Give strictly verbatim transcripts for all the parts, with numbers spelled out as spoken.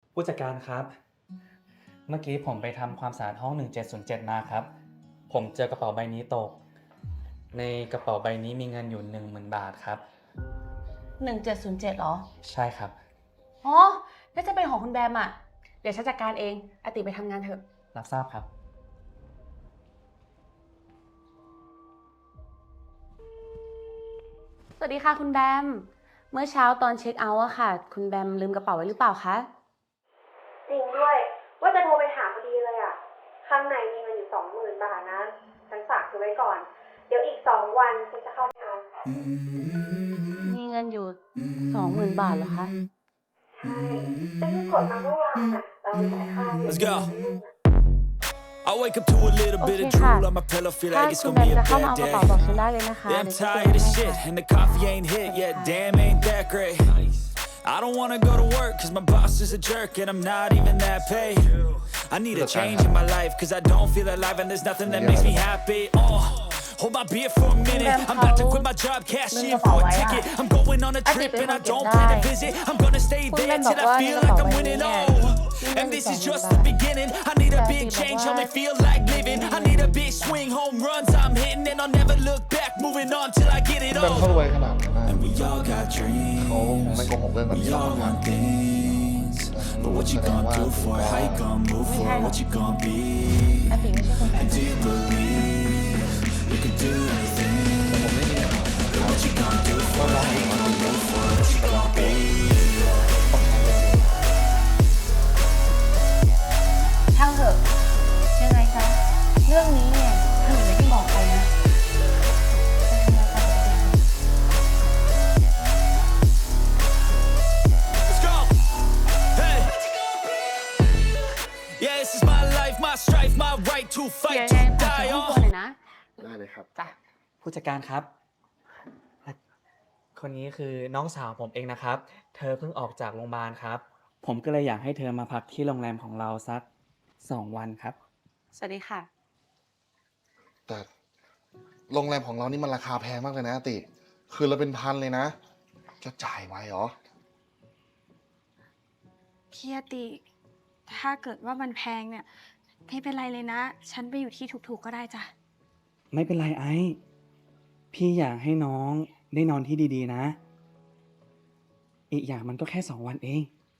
ผู้จัดการครับ เมื่อกี้ผมไปทำความสะอาดห้องหนึ่งเจ็ดศูนย์เจ็ดมาครับ ผมเจอกระเป๋าใบนี้ตก ในกระเป๋าใบนี้มีเงินอยู่หนึ่งหมื่นบาทครับหนึ่งเจ็ดศูนย์เจ็ดหรอใช่ครับอ๋อน่าจะเป็นของคุณแบมอ่ะ เดี๋ยวฉันจัดการเองอติไปทำงานเถอะรับทราบครับสวัสดีค่ะคุณแบม เมื่อเช้าตอนเช็คเอาท์อะค่ะ คุณแบมลืมกระเป๋าไว้หรือเปล่าคะจริงด้วย ว่าจะโทรไปถามพอดีเลยอ่ะ ข้างในมีเงินอยู่สองหมื่นบาทนะ ฉันฝากเธอไว้ก่อน เดี๋ยวอีกสองวันฉันจะเข้าไปเอามีเงินอยู่สองหมื่นบาทเหรอคะใช่ฉันเพิ่งกดมาเมื่อวานอ่ะเราไปจ่ายค่า Let's go. I wake up to a little โอ bit เค of ค่ะ drool on my pillow, feel ถ้า like it's คุณ gonna แบม be a จะเข้ามา bad เอากระ day. เป๋าบอกฉันได้เลยนะคะ Yeah, I'm เดี๋ยวฉัน tired เก็บ of ไว้ให้ shit ค่ะ and the coffee ain't hit yet. Damn, ain't that great. I don't wanna go to work cause my boss is a jerk and I'm not even that paid. I need a change in my life cause I don't feel alive and there's nothing that makes me happy. Oh, hold my beer for a minute. I'm about to quit my job, cash in for a ticket. I'm going on a trip and I don't plan to visit. I'm gonna stay there till I feel like I'm winning. Oh, and this is just the beginning. I need a big change, help me feel like living. I need a big swing, home runs I'm hitting and I'll never look back. Moving on till I get it แบมเขา all. รวยขนาดนั้นนะ And we all got เขา dreams. คงไม่โกหกเรื่องแบบ We นี้หรอก all want things, but what you gonna do for it? How you gonna move for it? What you gonna be? อติไม่ใช่คนแบบ And do you believe you can do anything? What you gonna do for it? How you gonna move for it? What you gonna be? ช่างเถอะยังไงซะเรื่องนี้เนี่ยถ้าหนูไม่ได้บอกใครนะจะทำอะไรต่อดี Let's go. Hey. Yeah, this is my life, my strife, my right to เดี๋ยว fight, ยัง to ไงฝาก die ห้อง on. ครัวหน่อยนะได้เลยครับจ้ะผู้จัดการครับ คนนี้คือน้องสาวผมเองนะครับ เธอเพิ่งออกจากโรงพยาบาลครับ ผมก็เลยอยากให้เธอมาพักที่โรงแรมของเราสักสองวันครับสวัสดีค่ะแต่โรงแรมของเรานี่มันราคาแพงมากเลยนะติ คือเราเป็นพันเลยนะ จะจ่ายไหวเหรอพี่อติ ถ้าเกิดว่ามันแพงเนี่ยไม่เป็นไรเลยนะ ฉันไปอยู่ที่ถูกๆก็ได้จ้ะไม่เป็นไรไอ้ พี่อยากให้น้องได้นอนที่ดีๆนะ อีกอย่างมันก็แค่สองวันเอง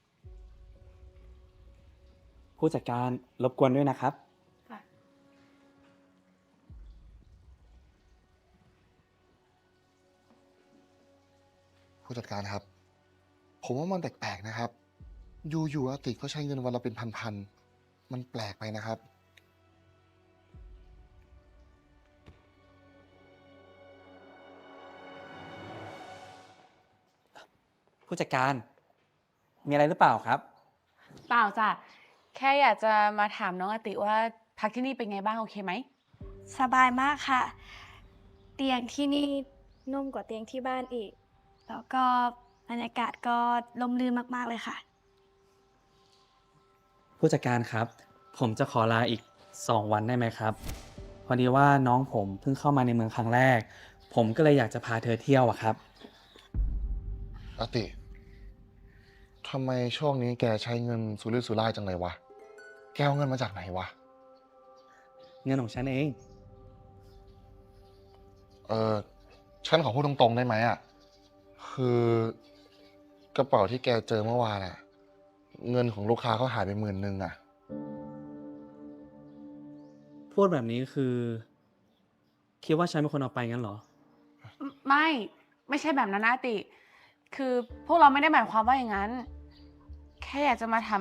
ผู้จัดการรบกวนด้วยนะครับผู้จัดการครับ ผมว่ามันแปลกๆนะครับ อยู่ๆอาติก็ใช้เงินวันละเป็นพันๆ มันแปลกไปนะครับผู้จัดการ มีอะไรหรือเปล่าครับเปล่าจ้ะ แค่อยากจะมาถามน้องอติว่าพักที่นี่เป็นไงบ้างโอเคไหมสบายมากค่ะ เตียงที่นี่นุ่มกว่าเตียงที่บ้านอีก แล้วก็บรรยากาศก็ลมลื่นมากๆเลยค่ะผู้จัดการครับ ผมจะขอลาอีกสองวันได้ไหมครับ พอดีว่าน้องผมเพิ่งเข้ามาในเมืองครั้งแรก ผมก็เลยอยากจะพาเธอเที่ยวอะครับอาติ ทำไมช่วงนี้แกใช้เงินสุรุ่ยสุร่ายจังเลยวะ แกเอาเงินมาจากไหนวะเงินของฉันเองเออฉันขอพูดตรงๆได้ไหมอ่ะ คือกระเป๋าที่แกเจอเมื่อวานอ่ะ เงินของลูกค้าเขาหายไปหมื่นหนึ่งอ่ะพูดแบบนี้คือ คิดว่าฉันเป็นคนเอาไปงั้นเหรอไม่ ไม่ใช่แบบนั้นนะอติ คือพวกเราไม่ได้หมายความว่าอย่างนั้น แค่อยากจะมาถาม